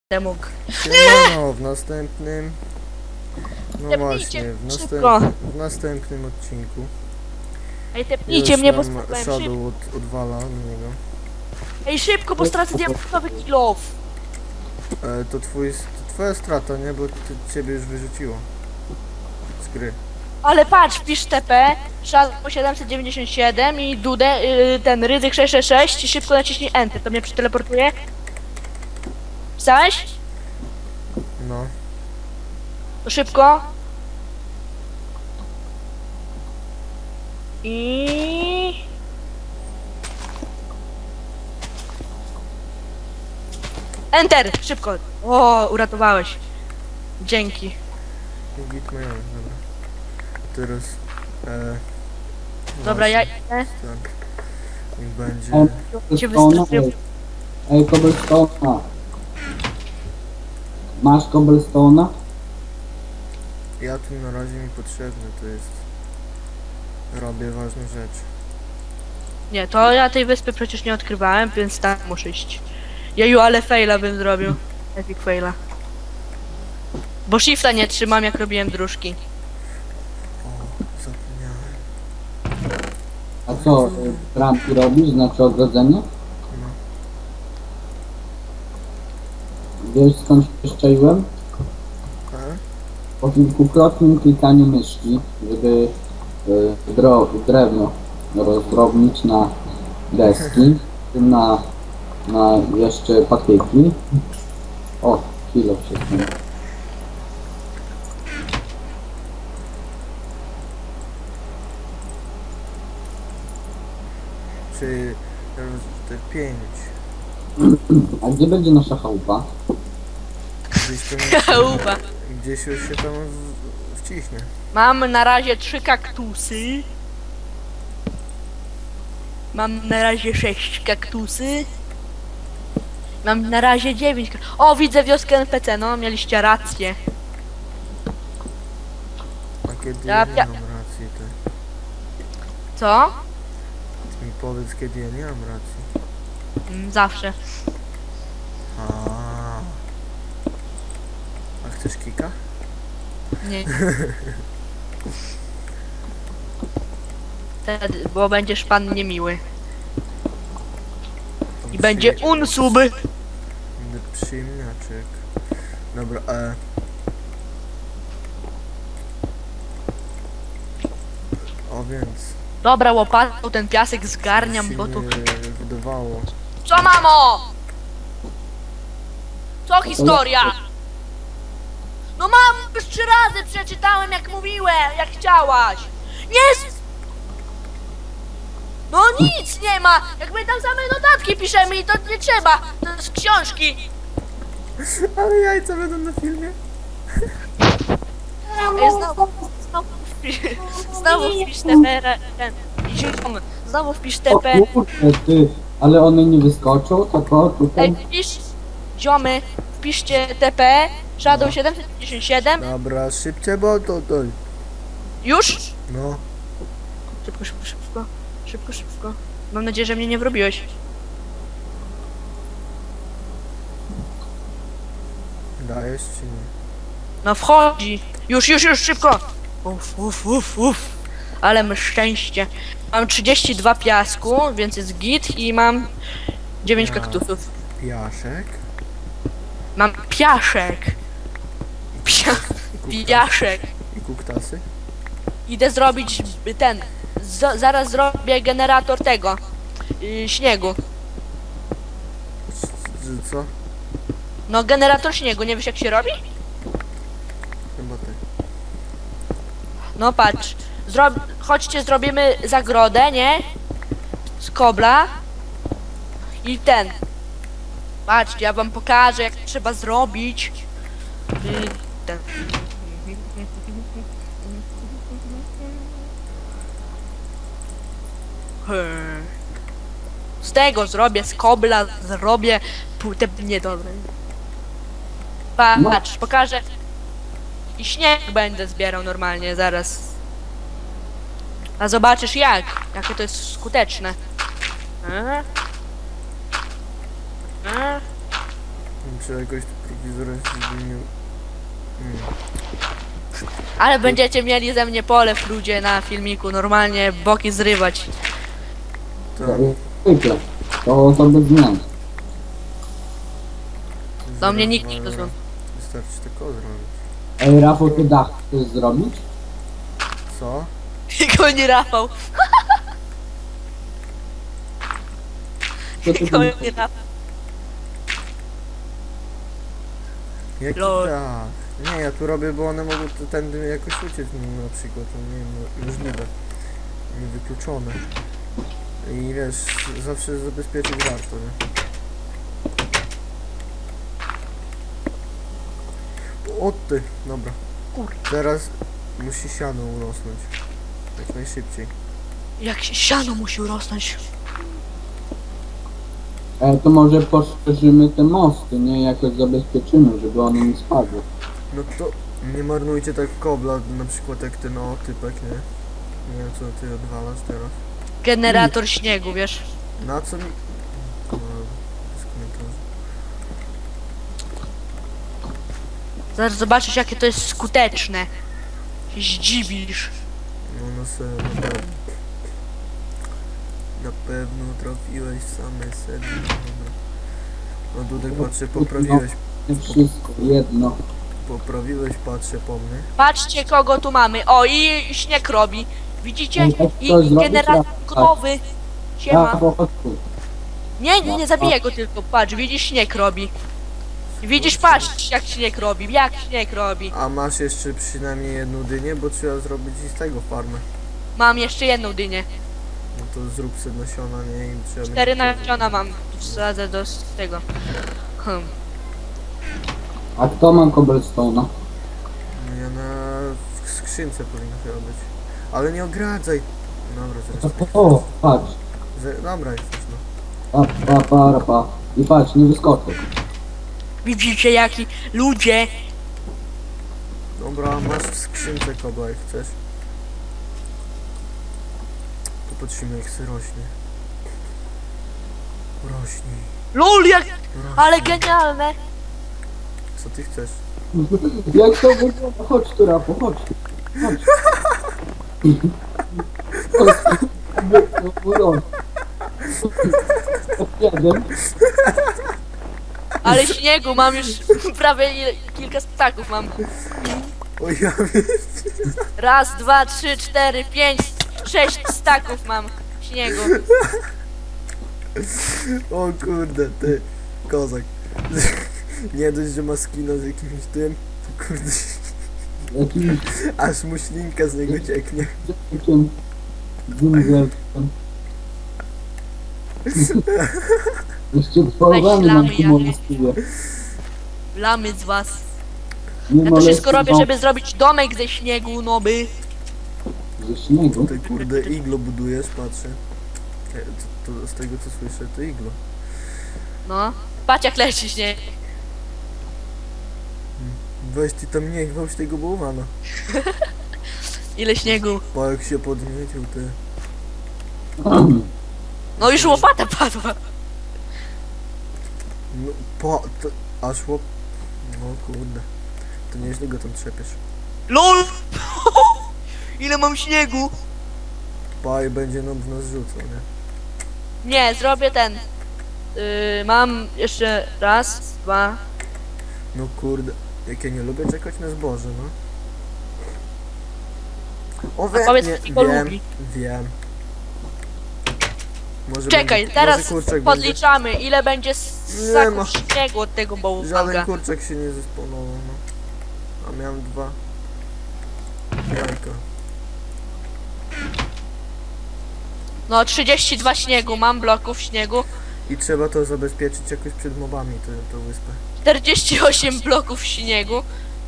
mógł. No, w następnym... No właśnie, w następnym odcinku. Ej, tepnijcie mnie, bo Już nam spróbowałem szybko. Shadow odwala na niego. Ej, szybko, bo stracę diamentowy kill-off. To twoja strata, nie? Bo ciebie już wyrzuciło z gry. Ale patrz, wpisz TP, Shadow 797 i Dudę, ten Rydzyk 666 i szybko naciśnij Enter, to mnie przeteleportuje. Pisałeś? No. To szybko. I... Enter! Szybko! O, uratowałeś. Dzięki. Git mają, dobra. Teraz... Dobra, ja właśnie, idę. Tak. Niech będzie... Cię wystraszyłem. Ej, cobblestone'a. Masz cobblestone'a? Ja tu na razie mi potrzebny, to jest... Robię ważną rzecz. Nie, to ja tej wyspy przecież nie odkrywałem, więc tak muszę iść. Jeju, ale faila bym zrobił. Epic faila. Bo shifta nie trzymam, jak robiłem dróżki. O, zapomniałem. A co, bramki robisz? Znaczy ogrodzenie? No. Wiesz skąd się szczaiłem? Po kilkukrotnym klikaniu myszki, żeby drewno rozdrobnić na deski, na jeszcze patyki. O, kilo wszystko. Czy... te 5. A gdzie będzie nasza chałupa? Gdzieś tam... Uba. Gdzieś już się tam wciśnie. Mam na razie 3 kaktusy. Mam na razie 6 kaktusy. Mam na razie 9. O, widzę wioskę NPC, no, mieliście rację. A kiedy Ja ja nie mam racji, to... Co? Ty mi powiedz, kiedy ja nie mam racji. Zawsze. A chcesz kika? Nie. Wtedy, bo będziesz pan niemiły. I będzie unsub. Będę przyjemniaczek. Dobra, O, więc... Dobra, łopatą ten piasek zgarniam, bo tu... się wydawało. Co, mamo? Co historia? No mam już 3 razy przeczytałem, jak mówiłem, jak chciałaś. Nie! No nic nie ma! Jak my tam same notatki piszemy i to nie trzeba. To z książki. Ale jajca będą na filmie. Ej, znowu wpisz TP. Znowu wpisz O TP. kurde, ty, ale one nie wyskoczą, tak o, tutaj. Ej, wpisz, ziomy, wpiszcie TP, Shadow 757. Dobra, szybciej, bo to... Już? No. Szybko, szybko, szybko. Szybko, szybko. Mam nadzieję, że mnie nie wrobiłeś. Dajesz czy nie? No wchodzi. Już, szybko. Uff. Ale mam szczęście. Mam 32 piasku, więc jest git i mam 9 Ja. kaktusów. Piaszek? Mam piaszek. Piaszek. I kuktasy? Idę zrobić ten. Zaraz zrobię generator tego. Śniegu. Co? No generator śniegu, nie wiesz jak się robi? Chyba ty. No patrz. Chodźcie, zrobimy zagrodę, nie? Z kobla. I ten. Patrzcie, ja wam pokażę jak trzeba zrobić. Ten. Z tego zrobię, z kobla zrobię. Niedobre. Patrz, pokażę. I śnieg będę zbierał normalnie, zaraz. A zobaczysz jakie to jest skuteczne. Trzeba jakoś tu telewizor się zmienił. Ale będziecie mieli ze mnie polew ludzie na filmiku, normalnie boki zrywać. Tak. Zwykle. To bez zmian. Do mnie nikt nie Zaraz dozwoli. Wystarczy tylko zrobić. Ej, Rafał, ty dach chcesz zrobić? Co? Tylko nie Rafał. Co ty Tylko nie Rafał. Jaki Lol. dach? Nie, ja tu robię, bo one mogą tędy jakoś uciec na przykład, to nie wiem, możliwe. Niewykluczone. I wiesz, zawsze zabezpieczyć warto, nie? O ty, dobra. Kurde. Teraz musi siano urosnąć. Jak najszybciej. Jak się siano musi urosnąć. To może poszerzymy te mosty, nie? Jakoś zabezpieczymy, żeby one nie spadły. No to nie marnujcie tak kobla, na przykład jak ten typek, nie? Nie wiem co ty odwalasz teraz. Generator śniegu, wiesz. Na co mi... No, bez komentarzy. Zaraz zobaczysz jakie to jest skuteczne. Się zdziwisz. No na serio, na pewno. Na pewno trafiłeś w same sedno. Dobra. No Dudek, patrzę, poprawiłeś, Nie wszystko, jedno. patrzę po mnie. Patrzcie kogo tu mamy. O i śnieg robi. Widzicie? Ej, tak I to zrobić generator raz. gotowy. Siema. Rafał, chodź tu. Nie zabiję go tylko. Patrz, widzisz śnieg robi. Widzisz, patrz jak śnieg robi. Jak śnieg robi. A masz jeszcze przynajmniej jedną dynię, bo trzeba zrobić i z tego farmę. Mam jeszcze jedną dynię. No to zrób sobie nasiona, nie? I trzeba 4 będzie- nasiona mam. Wsadzę do tego. A kto ma cobblestone'a? No ja w skrzynce powinno chyba być. Ale nie ogradzaj. Dobra, zresztą. O, patrz. Dobra, jesteś no. Pa. I patrz, nie wyskoczę. Widzicie jaki ludzie. Dobra, masz w skrzynce kobla jak chcesz. Popatrzymy jak się rośnie. Rośnij. LOL jak. Rośnij. Ale genialne. Co ty chcesz? Jak to wygląda? Chodź tu, Rafał, chodź. Chodź. Jeden. Ale śniegu mam już prawie kilka staków mam. O ja wiem. Raz, dwa, trzy, cztery, pięć, 6 staków mam śniegu. O kurde, ty. Kozak. Nie dość, że ma skina z jakimś tym. To kurde. Jakimś Aż mu ślinka z niego cieknie. dzieciakiem. Dżunglem. Jeszcze połowany mam Weź tu lamy możliwie. Lamy z was. Nie Ja to wszystko molestują robię, żeby zrobić domek ze śniegu, noby. ze śniegu. Ty kurde iglo budujesz, patrzę. To z tego co słyszę, to iglo. No. Patrz jak leci śnieg. Weź ty tam nie gwałć tego bałwana. Ile śniegu. Pa jak się podniecił, ty. No już łopata padła. No to aż łop... No kurde. To nieźle go tam trzepiesz. LOL! Ile mam śniegu? Pa i będzie nam w nas rzucał, nie? Nie, zrobię ten. Mam jeszcze raz, dwa. No kurde. Jak ja nie lubię czekać na zboże, no. O powiedz, nie, kto go wiem, lubi. wiem. Może Czekaj, będzie, teraz może kurczak podliczamy ile będzie Nie ma. ssaków śniegu od tego będzie, żaden bałwanka. kurczak się nie zesponował, no. A miałem 2 jajka. No 32 śniegu, mam bloków śniegu. I trzeba to zabezpieczyć jakoś przed mobami, tę wyspę. 48 bloków śniegu.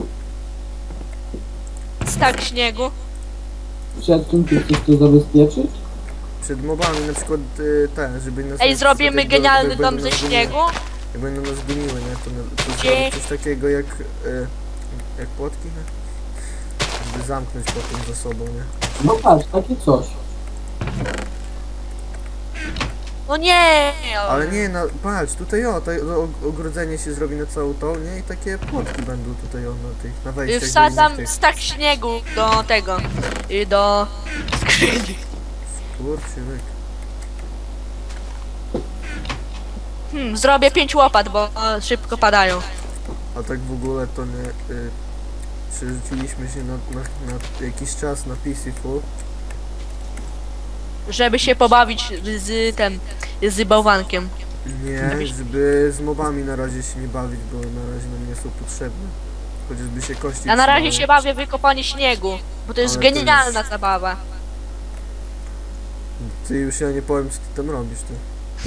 Stak śniegu. Przed czym ty chcesz to zabezpieczyć? Przed mobami, na przykład te, żeby nas... Ej, zrobimy jak genialny będą dom nas ze goniły- śniegu. Jak będą nas goniły, nie? To Gdzie? zrobić coś takiego jak płotki, nie? Żeby zamknąć potem za sobą, nie? No patrz, takie coś. No nie! Ale nie, no patrz, tutaj ogrodzenie się zrobi na całą tą, nie? I takie płotki będą tutaj na wejściach do Wsadzam innych tych. stak śniegu do tego. I do skrzyni. Kurczyk. Zrobię 5 łopat, bo szybko padają. A tak w ogóle to nie... przerzuciliśmy się na jakiś czas na Peaceful. Żeby się pobawić z bałwankiem. Nie, żeby z mobami na razie się nie bawić, bo na razie nam nie są potrzebne. Chociażby się kości Ja na razie trzymały. się bawię w wykopanie śniegu, bo to jest Ale to genialna zabawa. Ty już ja nie powiem, co ty tam robisz, ty.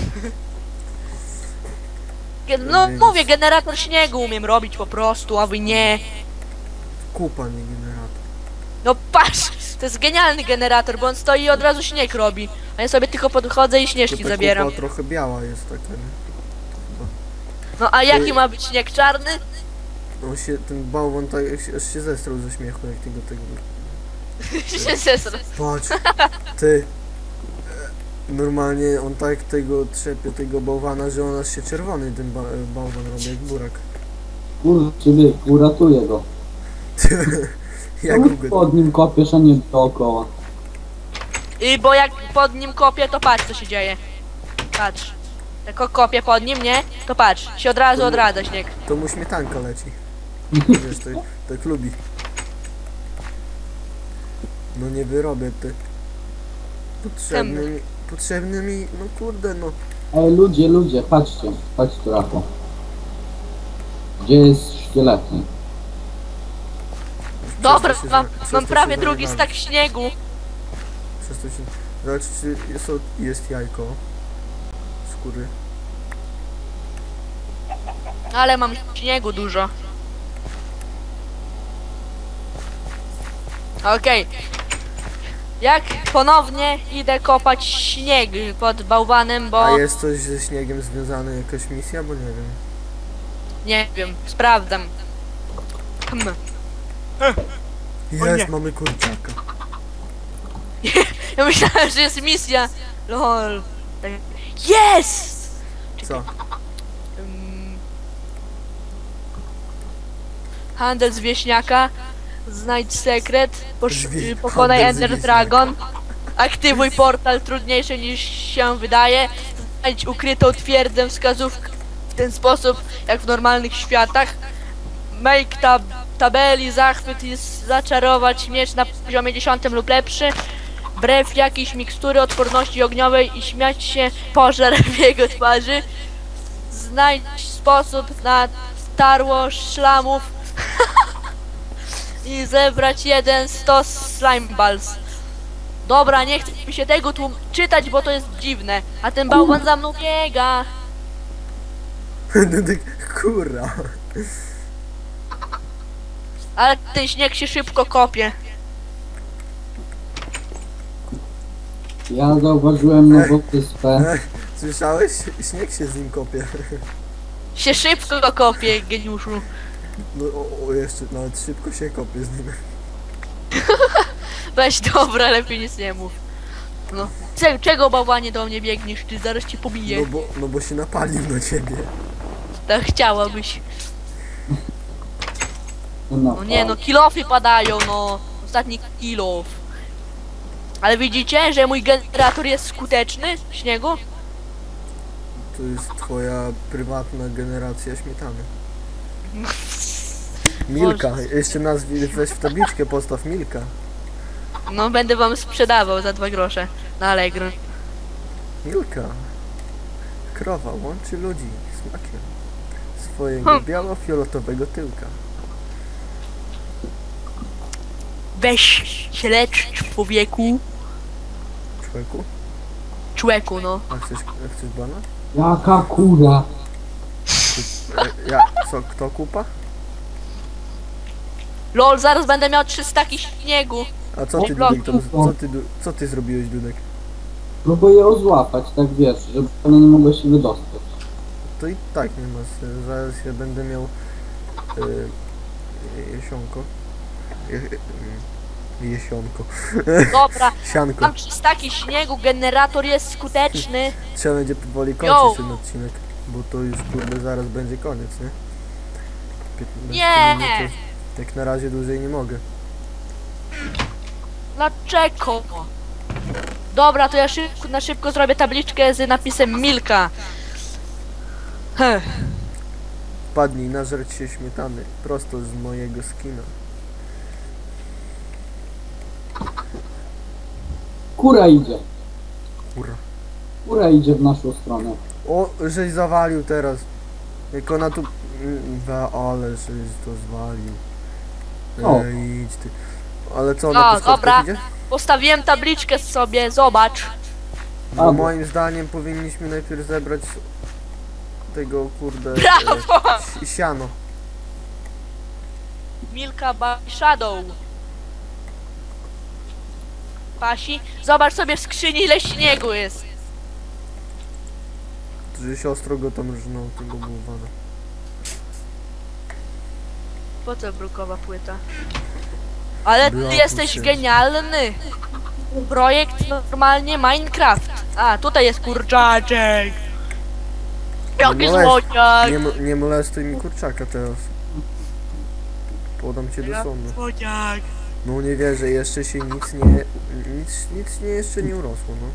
No Więc- mówię, generator śniegu umiem robić po prostu, a wy nie. Kupa, nie generator. No patrz, to jest genialny generator, bo on stoi i od razu śnieg robi. A ja sobie tylko podchodzę i To śnieżki ta zabieram. kupa trochę biała jest taka, nie? No a jaki ma być śnieg czarny? On się, ten bałwan tak, aż się zestrał ze śmiechu, jak tego. Się zesra. Patrz, ty. Normalnie on tak tego trzepie, tego bałwana, że on aż się czerwony ten bałwan robi, jak burak. Kurczę, uratuję go. Jak Czemu go... pod nim kopiesz, a nie dookoła? I bo jak pod nim kopię, to patrz co się dzieje. Patrz. Jak kopię pod nim, nie? To patrz, się od razu odradza śnieg. To mu śmietanka leci. Wiesz, tak lubi. No nie wyrobię, ty. Potrzebny mi, no kurde, no. Ej, ludzie, patrzcie, chodź tu, Rafał. Gdzie jest szkieletny? Dobra, Przez to się mam, za- przez mam to prawie się drugi zajebałem. stak śniegu. Przez to się... Zobacz, czy jest jajko. Skóry. Ale mam śniegu dużo. Okej. Jak ponownie idę kopać śnieg pod bałwanem, bo A jest coś ze śniegiem związane, jakaś misja? Bo nie wiem. nie wiem, sprawdzam. Jest, mamy kurczaka. Ja myślałem, że jest misja. Lol. Jest! Co? Handel z wieśniaka. Znajdź sekret. Pokonaj Handel z Ender wieśniaka. Dragon. Aktywuj portal trudniejszy niż się wydaje. Znajdź ukrytą twierdzę wskazówkę w ten sposób, jak w normalnych światach. Make tabeli, zachwyt i zaczarować miecz na poziomie 10 lub lepszy. Brew jakiejś mikstury odporności ogniowej i śmiać się pożar w jego twarzy. Znajdź sposób na starło szlamów i zebrać jeden stos slime balls. Dobra, nie chcę mi się tego tu czytać, bo to jest dziwne. A ten bałwan za mną biega. Kurra. Ale ten śnieg się szybko kopie. Ja zauważyłem nową wyspę. Słyszałeś? Śnieg się z nim kopie. Się szybko kopie, geniuszu. No jeszcze, nawet szybko się kopie z nim. Weź dobra, lepiej nic nie mów. No. Czego bałwanie do mnie biegniesz? Ty zaraz cię pobiję. No bo się napalił na ciebie. Tak chciałabyś. No, No nie no, kilofy padają, no. Ostatni kilof. Ale widzicie, że mój generator jest skuteczny w śniegu? To jest twoja prywatna generacja śmietany. Milka, jeszcze weź w tabliczkę, postaw Milka. No będę wam sprzedawał za 2 grosze na Allegro. Milka. Krowa łączy ludzi smakiem swojego biało-fioletowego tyłka. Weź się lecz, człowieku. Człowieku? Człeku, no. A chcesz bana? Jaka kura? Kto kupa? Lol, zaraz będę miał 3 staki śniegu. A co ty, Dudek, tam, co ty zrobiłeś, Dudek? Próbuję ją złapać, tak wiesz, żeby ona nie mogła się wydostać. To i tak nie ma sensu. Zaraz ja będę miał jesionko. Jesionko. Dobra, Sianko. mam 300 śniegu, generator jest skuteczny. Trzeba będzie powoli Yo. kończyć ten odcinek, bo to już kurde zaraz będzie koniec, nie? 15 Nie! minut, to jak na razie dłużej nie mogę. Dlaczego? Dobra, to ja na szybko zrobię tabliczkę z napisem Milka. Wpadnij, nażreć się śmietany, prosto z mojego skina. Kura idzie. Kurwa. Kura idzie w naszą stronę. O, żeś zawalił teraz. Jak ona tu... ale żeś to zwalił. O. Idź ty. Ale co, O, na podskokach dobra. idzie? Postawiłem tabliczkę sobie, zobacz. Bo Albo. moim zdaniem powinniśmy najpierw zebrać tego kurde... Brawo! Siano. Milka by Shadow. Pasi, zobacz sobie w skrzyni ile śniegu jest. Że siostro go tam rżnął tego bałwana. Po co brukowa płyta? Ale ty Była jesteś płyta. genialny. Projekt normalnie Minecraft. A, tutaj jest kurczaczek. Jaki Nie molest- złodziak. Nie molestuj mi kurczaka teraz. Podam cię do sądu. Złodziak. No nie wierzę, jeszcze się nic nie jeszcze nie urosło, no.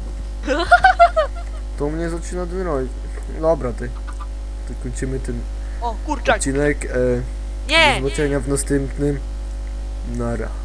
To mnie zaczyna denerwować. Dobra, to kończymy ten O, kurczak. odcinek. Do Nie. zobaczenia w następnym. Nara.